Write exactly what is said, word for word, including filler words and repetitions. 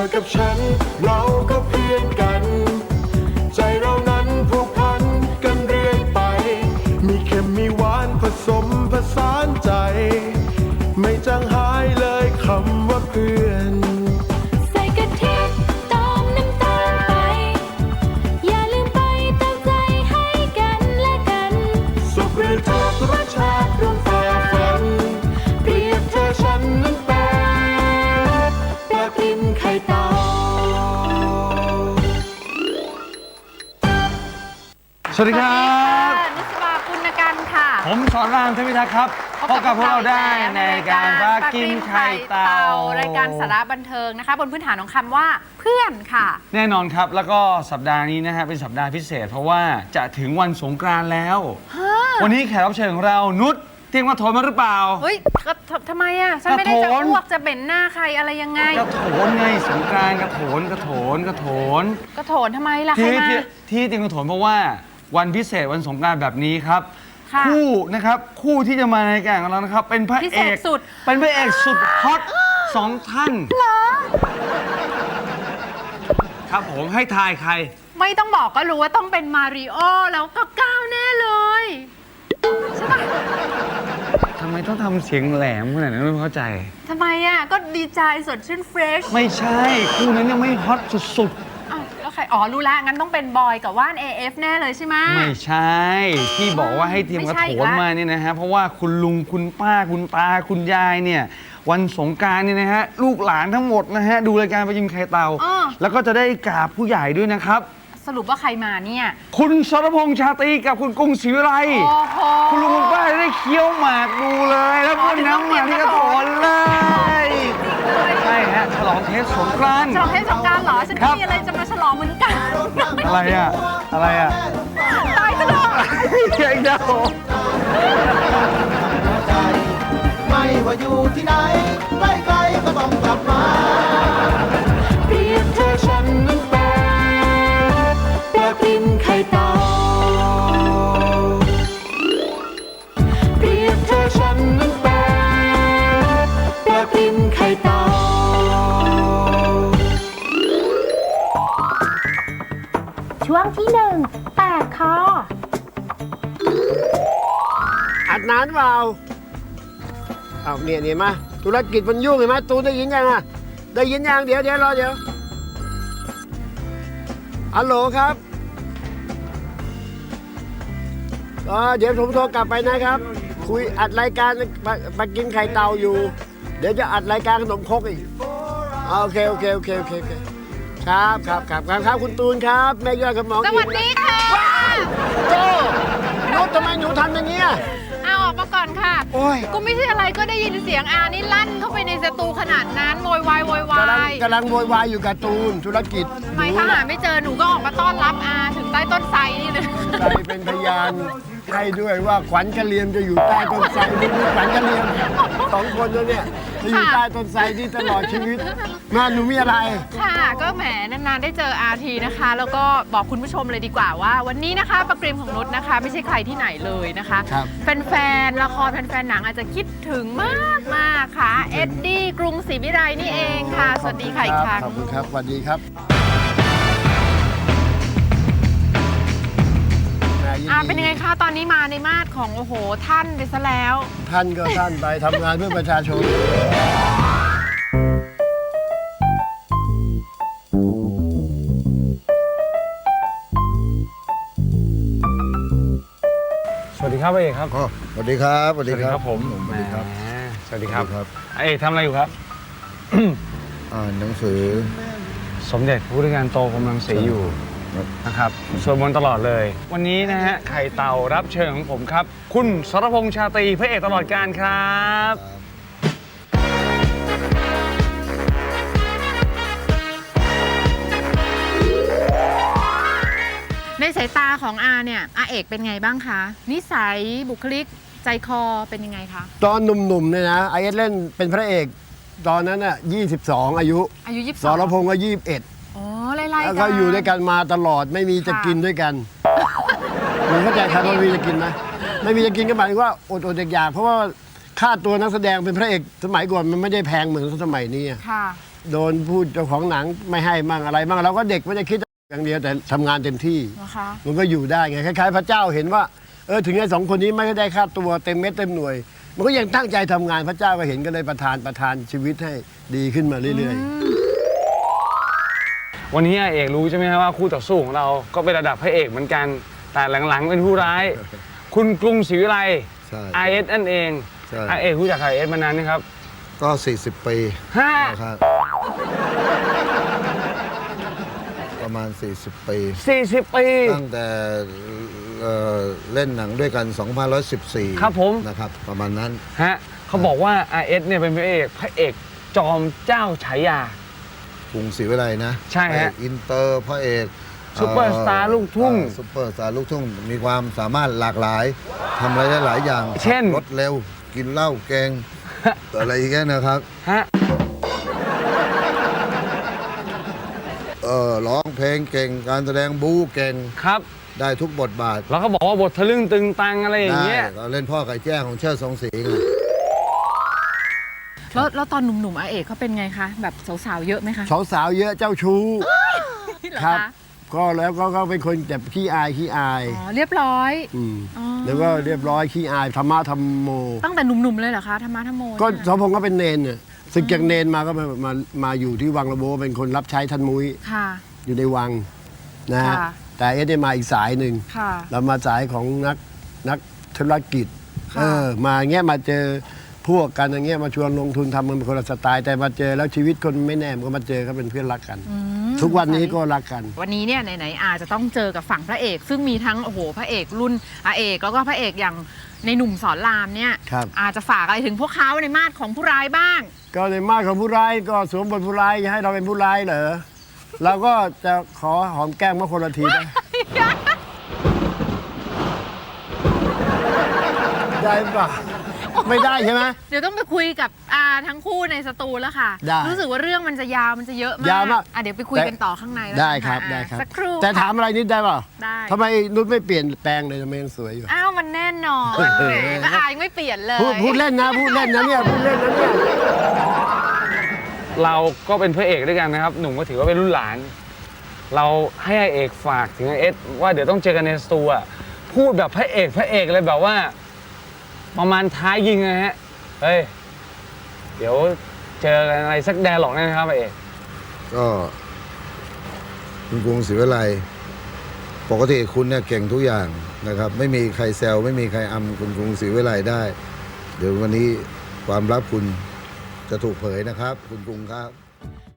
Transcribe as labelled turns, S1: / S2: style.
S1: อกับฉันเราก็เพื่อนกันใจเรานั้นผูกพันกันเรื่อยไปมีเค็มมีหวานผสมผสานใจไม่จางหายเลยคำว่าเพื่อน
S2: ใส่กะทิตามน้ำตาลไปอย่าลืมไปเติมใจให้กันและกัน
S1: สุขหรือทุกข์รสชาติร่วมฝ่าฟันเปรียบเธอฉันนั้นเป็นปลากินไข่เต่า
S3: สวัสดีครับ
S4: นุสราคุณกันค่ะ
S3: ผมสอนรามเทพิทักษ์ครับพบกับพวกเราได้ในการปลากินไข่เต่าร
S4: ายการสาระบันเทิงนะคะบนพื้นฐานของคำว่าเพื่อนค่ะ
S3: แน่นอนครับแล้วก็สัปดาห์นี้นะฮะเป็นสัปดาห์พิเศษเพราะว่าจะถึงวันสงกรานต์แล้ววันนี้แขกรับเชิญของเรานุชเตรียมกระโถนมาหรือเปล่า
S4: เฮ้ยทำไมอ่ะฉันไม่ได้จะอ้วกจะเบ่นหน้าใครอะไรยังไง
S3: กระโถนไงสงกรานต์กระโถนกระโถนกระโถน
S4: กระโถนทำไมล่ะใครมา
S3: ที่เตรียมกระโถนเพราะว่าวันพิเศษวันสงกรานต์แบบนี้ครับคู่นะครับคู่ที่จะมาในรายการของเรานะครับเป็นพระเอก
S4: สุด
S3: เป็นพระเอกสุดฮอตสองท่านครับผมให้ทายใคร
S4: ไม่ต้องบอกก็รู้ว่าต้องเป็นมาริโอแล้วก็ก้าวแน่เลยใช่ปะ
S3: ทำไมต้องทำเสียงแหลมขนาดนั้นไม่เข้าใจ
S4: ทำไมอ่ะก็ดีใจสดชื่นเฟรช
S3: ไม่ใช่คู่นั้นยังไม่ฮอตสุด
S4: แล้วใครอ๋อรู้แล้วงั้นต้องเป็นบอยกับว่าน เอ เอฟ แน่เลยใช่ไหม
S3: ไม่ใช่ที่บอกว่าให้เตรียมกระโถนมาเนี่ยนะฮะเพราะว่าคุณลุงคุณป้าคุณตาคุณยายเนี่ยวันสงกรานต์เนี่ยนะฮะลูกหลานทั้งหมดนะฮะดูรายการปลากินไข่เต่าแล้วก็จะได้กราบผู้ใหญ่ด้วยนะครับ
S4: สรุปว่าใครมาเนี่ย
S3: คุณสรพงษ์ชาตรีกับคุณกุ้งศรีวิไลคุณลุงคุณป้าได้เคี้ยวหมากดูเลยแล้วพ่นน้ำมาที่กระโถนเลยใช่ฮะฉลองเทศสงกรานต์
S4: ฉลองเทศสงกรานต์เหรอฉันมีอะไรจะมาฉลองเหมือนกัน
S3: อะไรอ่ะอะไรอ่ะ
S4: ตายซะแล้ว
S3: เจ๊งเจ้า
S1: ไม่ว่าอยู่ที่ไหนใกล้ๆก็ต้องกลับมาเปรียบเธอฉันนั้นเป็นปลากินไข่เต่าเปรียบเธอฉันนั้นเป็นปลากินไข่เต่า
S2: ช่วงที่หนึ่งแปดคอ
S5: อัดนานเปล่าเอาเนี่ยเนี่ยมาธุรกิจมันยุ่งเห็นไหมตูได้ยินยังอ่ะได้ยินยังเดี๋ยวเดี๋ยวรอเดี๋ยวฮัลโหลครับอ๋อเดี๋ยวผมโทรกลับไปนะครับคุยอัดรายการปลากินไข่เต่าอยู่เดี๋ยวจะอัดรายการขนมครกอีกโอเคโอเคโอเคโอเคโอเคครับครับครับครับครับคุณตูนครับแม่ยอดกับหมอ
S4: สวัสดีค่ะ
S5: โจ้นุชทำไมหนูทำอย่างเงี้ย
S4: เอาออกมาก่อนค่ะ
S5: โอ้ย
S4: ก็ไม่ใช่อะไรก็ได้ยินเสียงอานี่ลั่นเข้าไปในสตูขนาดนั้นโวยวายโวยวาย
S5: กำลังโวยวายอยู่กับตูนธุรกิจ
S4: ไม่ถ้าหาไม่เจอหนูก็ออกมาต้อนรับอาถึงใต้ต้นไทรนี่เลย
S5: ใครเป็นพยานให้ด้วยว่าขวัญกะเลียมจะอยู่ใต้ต้นไทรนี่ขวัญกะเลียมสองคนแล้วเนี่ยจะอยู่ใต้ต้นไทรที่ตลอดชีวิตงานหนูมีอะไร
S4: ค่ะก็แหมนานๆได้เจออาทีนะคะแล้วก็บอกคุณผู้ชมเลยดีกว่าว่าวันนี้นะคะปลากริมของนุชนะคะไม่ใช่ใครที่ไหนเลยนะคะแฟนๆละครแฟนๆหนังอาจจะคิดถึงมากมากค่ะเอ็ดดี้กรุงศรีวิไลนี่เองค่ะสวัสดีค่ะอีกครั้ง
S5: ขอบคุณครับสวัสดีครับ
S4: อาเป็นยังไงคะตอนนี้มาในมาดของโอ้โหท่านไปซะแล้ว
S5: ท่านก็ท่านไปทำงานเพื่อประชาชน
S3: สวัสดีครับเอกครับ
S5: สวัสดีครับ
S3: สวัสดีครับผม
S5: สวัสดีครับ
S3: สวัสดีครับเอกทำอะไรอยู่ครับ
S5: อ่านหนังสือ
S3: สมเด็จพระพุทธการโตกำลังเสียอยู่นะครับสวดมนต์ตลอดเลยวันนี้นะฮะไข่เต่ารับเชิญของผมครับคุณสรพงษ์ชาตรีพระเอกตลอดกาลครับ
S4: ในสายตาของอาเนี่ยอาเอกเป็นไงบ้างคะนิสัยบุคลิกใจคอเป็นยังไงคะ
S5: ตอนหนุ่มๆเนี่ยนะไอเอสเล่นเป็นพระเอกตอนนั้นน่ะยี่สิบสองอายุ
S4: อายุยี่สิบสอง
S5: สรพงษ์ก็ยี่สิบเอ็ด
S4: อ๋อไล่ๆกัน
S5: แล้วก็อยู่ด้วยกันมาตลอดไม่มีจะกินด้วยกันหนูเข้าใจครับว่ามีจะกินไหมไม่มีจะกินก็หมายถึงว่าอดอดอยากๆเพราะว่าค่าตัวนักแสดงเป็นพระเอกสมัยก่อนมันไม่ได้แพงเหมือนสมัยนี้
S4: ค่ะ
S5: โดนพูดเจ้าของหนังไม่ให้มั่งอะไรมั่งเราก็เด็กไม่ได้คิดอย่างเดียวแต่ทำงานเต็มที่
S4: นะคะ
S5: มันก็อยู่ได้ไงคล้ายๆพระเจ้าเห็นว่าเออถึงไอ้สองคนนี้ไม่ได้ค่าตัวเต็มเม็ดเต็มหน่วย มันก็ยังตั้งใจทำงานพระเจ้าก็เห็นก็เลยประทานประทานชีวิตให้ดีขึ้นมาเรื่อยๆ
S3: วันนี้อาเอกรู้ใช่ไหมครับว่าคู่ต่อสู้ของเราก็เป็นระดับพระเอกเหมือนกัน แต่หลังๆเป็นผู้ร้าย คุณกรุงศรีวิไล
S6: ใช่
S3: ไอเอสนั่นเอง
S6: ใช่
S3: อาเอกรู้จักไอเอสมานานนะครับ
S6: ก็ สี่สิบ ปี
S3: ห้า
S6: นะครับประมาณ สี่สิบ ปี
S3: สี่สิบปี
S6: ตั้งแต่เอ่อเล่นหนังด้วยกัน สองพันห้าร้อยสิบสี่
S3: ครับผม
S6: นะครับ ประมาณนั้น
S3: ฮะเขาบอกว่า ไอ เอส เนี่ยเป็นพระเอกพระเอกจอมเจ้าฉายา
S6: กรุงศรีวิไลนะ
S3: ใช่ฮะ
S6: พระเอกอินเตอร์พระเอก
S3: ซุปเปอร์สตาร์ลูกทุ่ง
S6: เอ่อซุปเปอร์สตาร์ลูกทุ่ง มีความสามารถหลากหลายทำอะไรได้หลายอย่าง
S3: เช่น
S6: รถเร็ว กินเหล้าแกง อะไรอย่างเงี้ยนะครับ
S3: ฮะ
S6: เออร้องเพลงเก่ง การแสดงบู๊เก่ง
S3: ครับ
S6: ได้ทุกบทบาท
S3: แล้วก็บอกว่าบททะลึ่งตึงตังอะไรอย่าง
S6: ได้
S3: เงี้ย
S6: ก็เล่นพ่อไก่แจ้ของเชิดทรงศรีไง
S4: แล้วแล้วตอนหนุ่มๆอาเอกเขาเป็นไงคะแบบสาวๆเยอะไหมคะ
S5: สาวๆเยอะเจ้าชู้
S4: เหรอ
S5: ครับ
S4: คะ
S5: ก็แล้วก็ก็เป็นคนแบบขี้อายขี้อาย
S4: อ๋อเรียบร้อย
S5: ม
S4: อ๋อ
S5: แล้วก็เรียบร้อยขี้อายธรรมะธรรมโม
S4: ตั้งแต่หนุ่มๆเลยเหรอคะธรรมะธรรมโม
S5: ก็
S4: เนี่ย
S5: สมพงษ์ก็เป็นเนนเนี่ยศึกจากเนนมาก็มามามาอยู่ที่วังระโบเป็นคนรับใช้ท่านมุ้ย
S4: ค่ะ
S5: อยู่ในวังนะฮะ
S4: ค่ะ
S5: แต่เอสได้มาอีกสายหนึ่ง
S4: ค่ะ
S5: เรามาสายของนักนักธุรกิจ
S4: ค่ะ
S5: เออมาเงี้ยมาเจอพวกกันอย่างเงี้ยมาชวนลงทุนทำมันเป็นคนละสไตล์แต่มาเจอแล้วชีวิตคนไม่แน่มันก็มาเจอเขาเป็นเพื่อนรักกัน
S4: อืม
S5: ทุกวันนี้ก็รักกัน
S4: วันนี้เนี่ยไหนๆอาจะต้องเจอกับฝั่งพระเอก ซึ่งมีทั้งโอ้โหพระเอกรุ่นอาเอกแล้วก็พระเอกอย่างในหนุ่มสอนรามเนี่ย
S5: ครับ
S4: อาจจะฝากอะไรถึงพวกเขาในมาดของผู้ร้ายบ้าง
S5: ก็ในมาดของผู้ร้ายก็สวมบทผู้ร้ายให้เราเป็นผู้ร้ายเหรอเราก็จะขอหอมแก้มมาคนละทีได้ ได้ปะไม่ได้ใช่ไหม
S4: เดี๋ยวต้องไปคุยกับอาทั้งคู่ในสตูแล้วค่ะ
S5: ได้
S4: รู้สึกว่าเรื่องมันจะยาวมันจะเยอะมาก
S5: ยาวมาก
S4: อ่ะเดี๋ยวไปคุยกันต่อข้างในแล้ว
S5: ได้
S4: กัน
S5: ครับ
S4: ะ
S5: ได้ครับ
S4: สักครู่
S5: แต่ถามอะไรนิดได้เปล่า
S4: ได้
S5: ทำไมนุชไม่เปลี่ยนแปลงเลยทำไมยังสวยอยู่
S4: อ้าวมันแน่นอนแหมก็อายังไม่เปลี่ยนเลย
S5: พูดพูดเล่นนะพูดเล่นนะเนี่ยพูดเล่นนะเนี่ย
S3: เราก็เป็นพระเอกด้วยกันนะครับ หนุ่มก็ถือว่าเป็นรุ่นหลาน เราให้ไอเอกฝากถึงไอเอสว่าเดี๋ยวต้องเจอกันในสตูอะพูดแบบพระเอกพระเอกเลยแบบว่า ประมาณท้ายยิงนะฮะเฮ้ยเดี๋ยวเจอกันอะไรสักแดร์หลอกแน่นะครับไอเอก
S6: ก็คุณกรุงศรีวิไลปกติคุณเนี่ยเก่งทุกอย่างนะครับ ไม่มีใครแซวไม่มีใครอำคุณกรุงศรีวิไลได้ เดี๋ยววันนี้ความลับคุณจะถูกเผยนะครับ คุณกรุงครับ